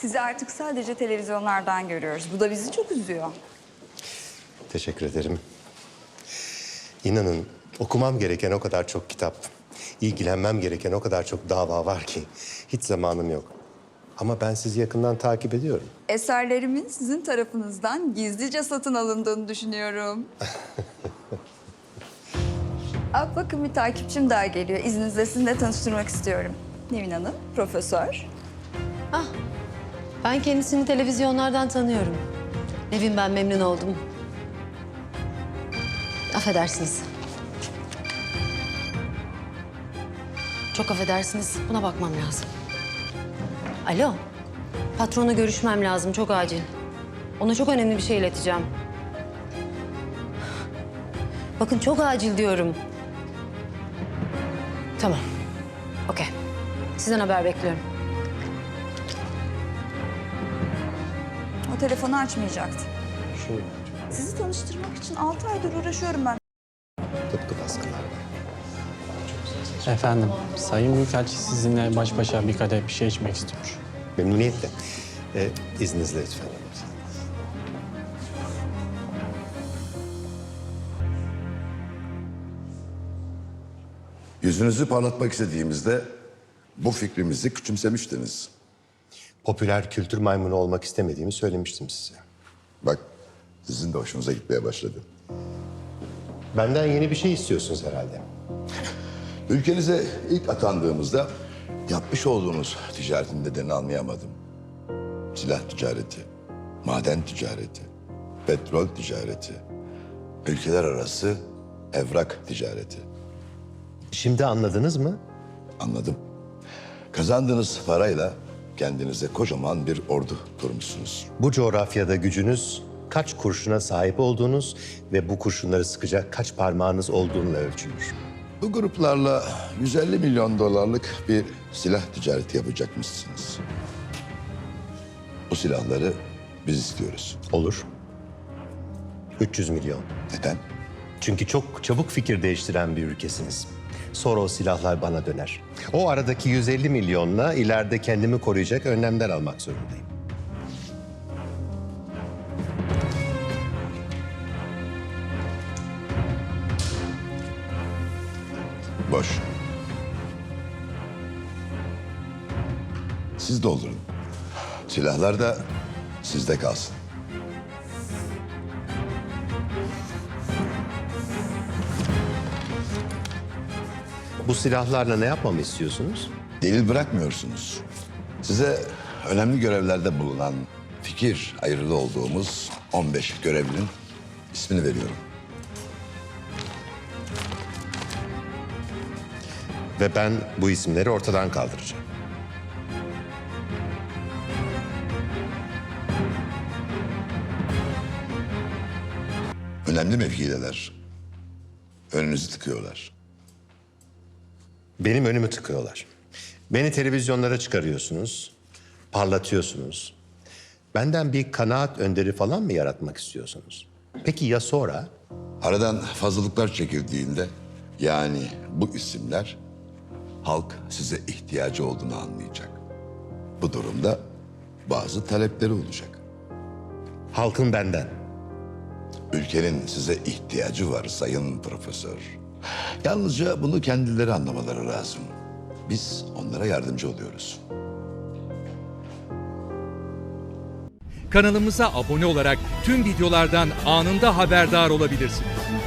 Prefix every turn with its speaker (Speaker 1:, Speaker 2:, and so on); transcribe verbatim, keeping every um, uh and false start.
Speaker 1: Sizi artık sadece televizyonlardan görüyoruz. Bu da bizi çok üzüyor.
Speaker 2: Teşekkür ederim. İnanın okumam gereken o kadar çok kitap, ilgilenmem gereken o kadar çok dava var ki hiç zamanım yok. Ama ben sizi yakından takip ediyorum.
Speaker 1: Eserlerimin sizin tarafınızdan gizlice satın alındığını düşünüyorum. Aa, bakın bir takipçim daha geliyor. İzninizle sizinle tanıştırmak istiyorum. Nevin Hanım, profesör.
Speaker 3: Ah, ben kendisini televizyonlardan tanıyorum. Nevin, ben memnun oldum. Affedersiniz. Çok affedersiniz, buna bakmam lazım. Alo, patronla görüşmem lazım, çok acil. Ona çok önemli bir şey ileteceğim. Bakın çok acil diyorum. Tamam, okey. Sizden haber bekliyorum.
Speaker 1: O telefonu açmayacaktı.
Speaker 2: Şu
Speaker 1: Sizi tanıştırmak için altı aydır uğraşıyorum ben.
Speaker 2: tıpkı baskılar var.
Speaker 4: Efendim, Sayın Büyükelçi sizinle baş başa bir kadeh bir şey içmek istiyor.
Speaker 2: Memnuniyetle. Ee, izninizle lütfen.
Speaker 5: Yüzünüzü parlatmak istediğimizde bu fikrimizi küçümsemiştiniz.
Speaker 2: Popüler kültür maymunu olmak istemediğimi söylemiştim size.
Speaker 5: Bak, sizin de hoşunuza gitmeye başladı.
Speaker 2: Benden yeni bir şey istiyorsunuz herhalde.
Speaker 5: Ülkenize ilk atandığımızda yapmış olduğunuz ticaretin nedenini anlayamadım. Silah ticareti, maden ticareti, petrol ticareti, ülkeler arası evrak ticareti.
Speaker 2: Şimdi anladınız mı?
Speaker 5: Anladım. Kazandığınız parayla kendinize kocaman bir ordu kurmuşsunuz.
Speaker 2: Bu coğrafyada gücünüz kaç kurşuna sahip olduğunuz ve bu kurşunları sıkacak kaç parmağınız olduğunla ölçülür.
Speaker 5: Bu gruplarla yüz elli milyon dolarlık bir silah ticareti yapacakmışsınız. Bu silahları biz istiyoruz.
Speaker 2: Olur. üç yüz milyon.
Speaker 5: Neden?
Speaker 2: Çünkü çok çabuk fikir değiştiren bir ülkesiniz. Sonra o silahlar bana döner. O aradaki yüz elli milyonla ileride kendimi koruyacak önlemler almak zorundayım.
Speaker 5: Boş. Siz doldurun. Silahlar da sizde kalsın.
Speaker 2: Bu silahlarla ne yapmamı istiyorsunuz?
Speaker 5: Delil bırakmıyorsunuz. Size önemli görevlerde bulunan fikir ayrılığı olduğumuz on beş görevlinin ismini veriyorum.
Speaker 2: Ve ben bu isimleri ortadan kaldıracağım.
Speaker 5: Önemli mevkideler. Önünüzü tıkıyorlar.
Speaker 2: Benim önümü tıkıyorlar. Beni televizyonlara çıkarıyorsunuz, parlatıyorsunuz. Benden bir kanaat önderi falan mı yaratmak istiyorsunuz? Peki ya sonra?
Speaker 5: Aradan fazlalıklar çekildiğinde, yani bu isimler halk size ihtiyacı olduğunu anlayacak. Bu durumda bazı talepleri olacak.
Speaker 2: Halkın benden.
Speaker 5: Ülkenin size ihtiyacı var sayın profesör. Yalnızca bunu kendileri anlamaları lazım. Biz onlara yardımcı oluyoruz.
Speaker 6: Kanalımıza abone olarak tüm videolardan anında haberdar olabilirsiniz.